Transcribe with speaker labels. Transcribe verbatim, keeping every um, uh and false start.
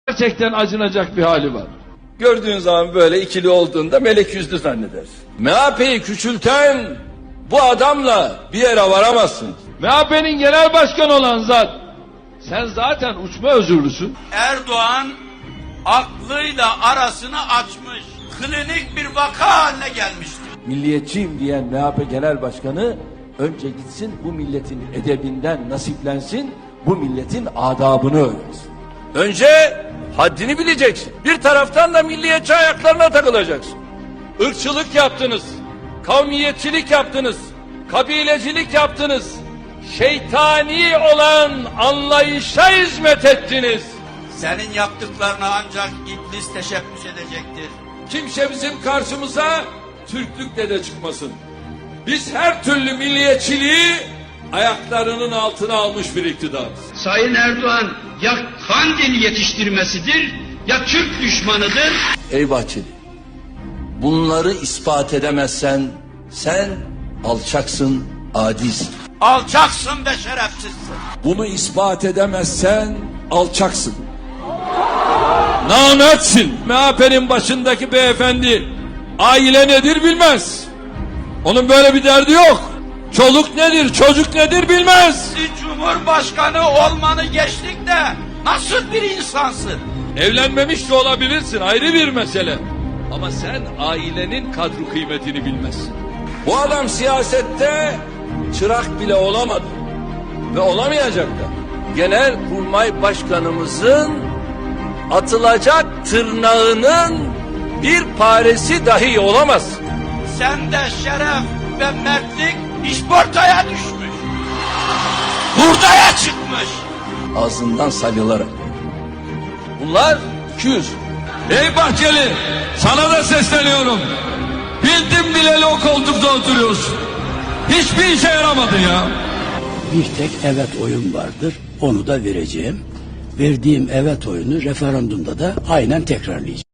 Speaker 1: Gerçekten acınacak bir hali var.
Speaker 2: Gördüğün zaman böyle ikili olduğunda melek yüzlü zannedersin. M H P'yi küçülten bu adamla bir yere varamazsın.
Speaker 1: M H P'nin genel başkanı olan zat, sen zaten uçma özürlüsün.
Speaker 3: Erdoğan aklıyla arasını açmış, klinik bir vaka haline gelmiştir.
Speaker 4: Milliyetçiyim diyen M H P Genel Başkanı önce gitsin bu milletin edebinden nasiplensin, bu milletin adabını öğrensin.
Speaker 2: Önce haddini bileceksin. Bir taraftan da milliyetçi ayaklarına takılacaksın. Irkçılık yaptınız, kavmiyetçilik yaptınız, kabilecilik yaptınız. Şeytani olan anlayışa hizmet ettiniz.
Speaker 3: Senin yaptıklarına ancak iblis teşebbüs edecektir.
Speaker 2: Kimse bizim karşımıza Türklükle de çıkmasın. Biz her türlü milliyetçiliği ayaklarının altına almış bir iktidarız.
Speaker 5: Sayın Erdoğan ya Kandil yetiştirmesidir ya Türk düşmanıdır.
Speaker 2: Ey Bahçeli, bunları ispat edemezsen sen alçaksın, adisin.
Speaker 3: Alçaksın ve şerefsizsin.
Speaker 2: Bunu ispat edemezsen alçaksın. Namertsin. M H P'nin başındaki beyefendi aile nedir bilmez. Onun böyle bir derdi yok. Çoluk nedir, çocuk nedir bilmez.
Speaker 3: Cumhurbaşkanı olmanı geçtik de nasıl bir insansın?
Speaker 2: Evlenmemiş de olabilirsin, ayrı bir mesele. Ama sen ailenin kadro kıymetini bilmezsin. Bu adam siyasette çırak bile olamadı. Ve olamayacak da. Genelkurmay Başkanımızın atılacak tırnağının bir paresi dahi olamaz.
Speaker 3: Sende şeref ve mertlik işportaya düşmüş. Hurdaya çıkmış.
Speaker 2: Ağzından salyalarak. Bunlar iki yüz. Ey Bahçeli, sana da sesleniyorum. Bildim bileli o koltukta oturuyorsun. Hiçbir işe yaramadı ya.
Speaker 6: Bir tek evet oyun vardır. Onu da vereceğim. Verdiğim evet oyunu referandumda da aynen tekrarlayacağım.